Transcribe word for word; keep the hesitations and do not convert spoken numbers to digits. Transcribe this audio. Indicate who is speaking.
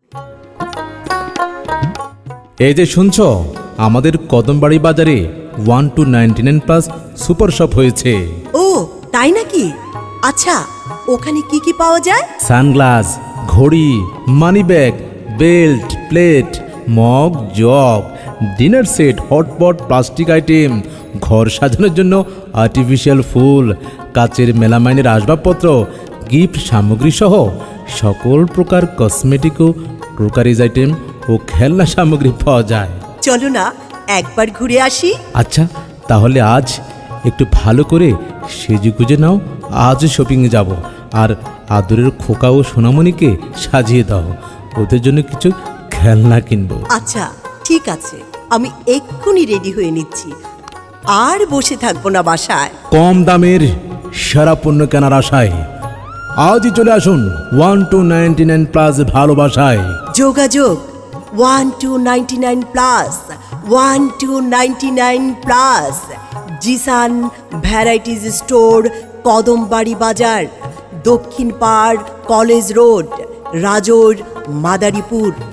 Speaker 1: এই যে শুনছো, আমাদের কদমবাড়ি বাজারে one two ninety nine plus super shop হয়েছে।
Speaker 2: ও তাই নাকি? আচ্ছা, ওখানে কি কি পাওয়া যায়?
Speaker 1: সানগ্লাস, ঘড়ি, money bag, belt, plate, mug, jug, dinner set, hotpot, plastic item, ঘর সাজানোর জন্য আর্টিফিশিয়াল ফুল, কাচের মেলামাইনের আসবাবপত্র, গিফট সামগ্রী সহ সকল প্রকার কসমেটিক ও ক্রোকারিজ আইটেম ও খেলনা সামগ্রী পাওয়া যায়।
Speaker 2: চলো না একবার ঘুরে আসি।
Speaker 1: আচ্ছা, তাহলে আজ একটু ভালো করে সেজে গুজে নাও, আজ শপিংয়ে যাব। আর আদরের খোকা ও সোনামণিকে সাজিয়ে দাও, ওদের জন্য কিছু খেলনা কিনবো।
Speaker 2: আচ্ছা ঠিক আছে, আমি এক্ষুনি রেডি হয়ে নিচ্ছি। আর বসে থাকবো না বাসায়।
Speaker 1: কম দামের সেরা পণ্য কেনার আশায় আজই চলে আসুন one two ninety nine plus ভালোবাসায়।
Speaker 2: যোগাযোগ one two ninety nine plus, one two ninety nine plus, Jisan varieties store, Kadambari বাজার, দক্ষিণ পাড়, কলেজ রোড, রাজোর, মাদারীপুর।